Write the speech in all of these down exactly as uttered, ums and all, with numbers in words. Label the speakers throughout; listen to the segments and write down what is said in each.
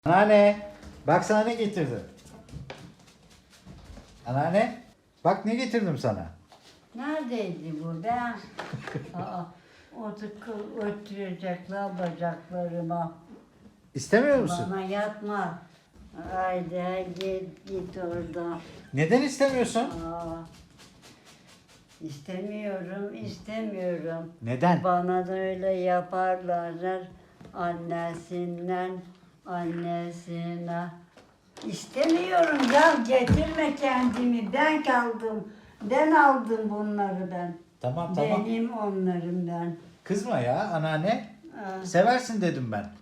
Speaker 1: Anneanne, bak sana ne getirdim. Anneanne, bak ne getirdim sana.
Speaker 2: Neredeydi bu ben? Aa, otur, oturacaklar bacaklarıma.
Speaker 1: İstemiyor musun?
Speaker 2: Bana yatma. Haydi git git orada.
Speaker 1: Neden istemiyorsun?
Speaker 2: Aa, istemiyorum, istemiyorum.
Speaker 1: Neden?
Speaker 2: Bana da öyle yaparlar. Annesinden, annesine. İstemiyorum ya, getirme kendimi. Ben kaldım. Ben aldım bunları ben.
Speaker 1: Tamam tamam.
Speaker 2: Benim onların ben.
Speaker 1: Kızma ya anneanne.
Speaker 2: Aa,
Speaker 1: Seversin dedim ben.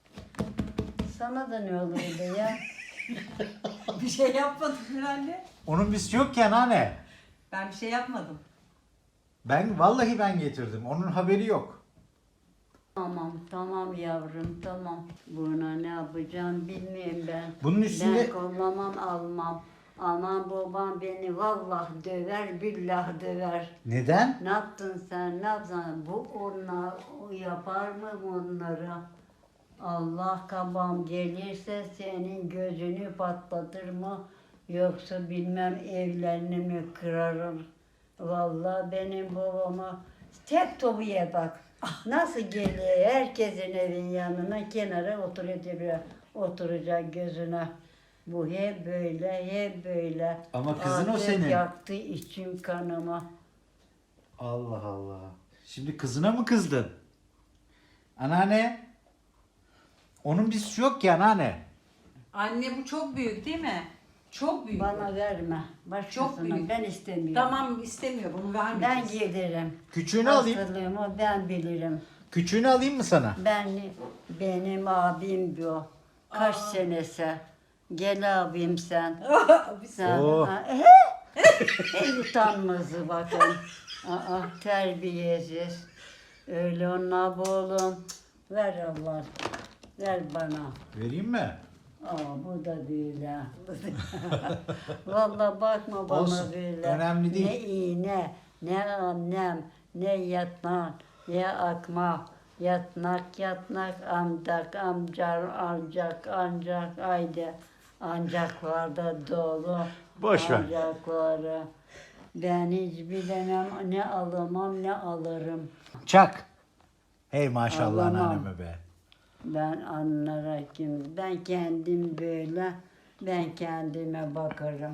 Speaker 2: sana da ne olurdu ya?
Speaker 3: Bir şey yapmadım herhalde.
Speaker 1: Onun bir yok ki anneanne.
Speaker 3: Ben bir şey yapmadım.
Speaker 1: Ben vallahi ben getirdim. Onun haberi yok.
Speaker 2: Tamam, tamam yavrum, tamam. Buna ne yapacağım bilmiyorum ben.
Speaker 1: Bunun üstünde-
Speaker 2: Ben kollamam, almam. Aman babam beni vallahi döver, billah döver.
Speaker 1: Neden?
Speaker 2: Ne yaptın sen, ne yaptın? Bu onlar, o yapar mı bunları? Allah kabam gelirse senin gözünü patlatır mı? Yoksa bilmem evlerini mi kırarım? Vallahi benim babama tek topuya bak. Nasıl geliyor herkesin evin yanına kenara oturuyor, oturacak gözüne. Bu hep böyle, hep böyle.
Speaker 1: Ama kızın o
Speaker 2: Artık
Speaker 1: senin.
Speaker 2: yaktı içim kanıma.
Speaker 1: Allah Allah. Şimdi kızına mı kızdın? Anneanne. Onun bir suçu yok ki anneanne.
Speaker 3: Anne bu çok büyük değil mi? Çok büyük.
Speaker 2: Bana verme. Başkasına
Speaker 3: büyük.
Speaker 2: ben istemiyorum.
Speaker 3: Tamam istemiyor bunu
Speaker 2: Ben
Speaker 3: vermeyeceğiz.
Speaker 2: gelirim.
Speaker 1: Küçüğünü alayım.
Speaker 2: Hastalığımı ben bilirim.
Speaker 1: Küçüğünü alayım mı sana?
Speaker 2: Ben benim abim bu. Kaç senesi. Gel abim sen. Sen.
Speaker 1: Oh.
Speaker 2: Ha, ehe. En utanmazı bakın. Aa, terbiyesiz. Öyle ona bu oğlum. Ver Allah. Ver bana.
Speaker 1: Vereyim mi?
Speaker 2: Aa, bu da böyle. Vallahi bakma bana
Speaker 1: Olsun,
Speaker 2: böyle.
Speaker 1: önemli değil.
Speaker 2: Ne iğne, ne annem, ne yatmak, ne akmak. Yatnak yatnak amcak amcar ancak ancak haydi. Ancaklarda dolu.
Speaker 1: Boş ver.
Speaker 2: Ancakları. Ben hiç bilemem ne alamam ne alırım.
Speaker 1: Çak. Hey maşallah
Speaker 2: Ağlamam.
Speaker 1: anneanneme be.
Speaker 2: Ben anlara kim? Ben kendim böyle, ben kendime bakarım.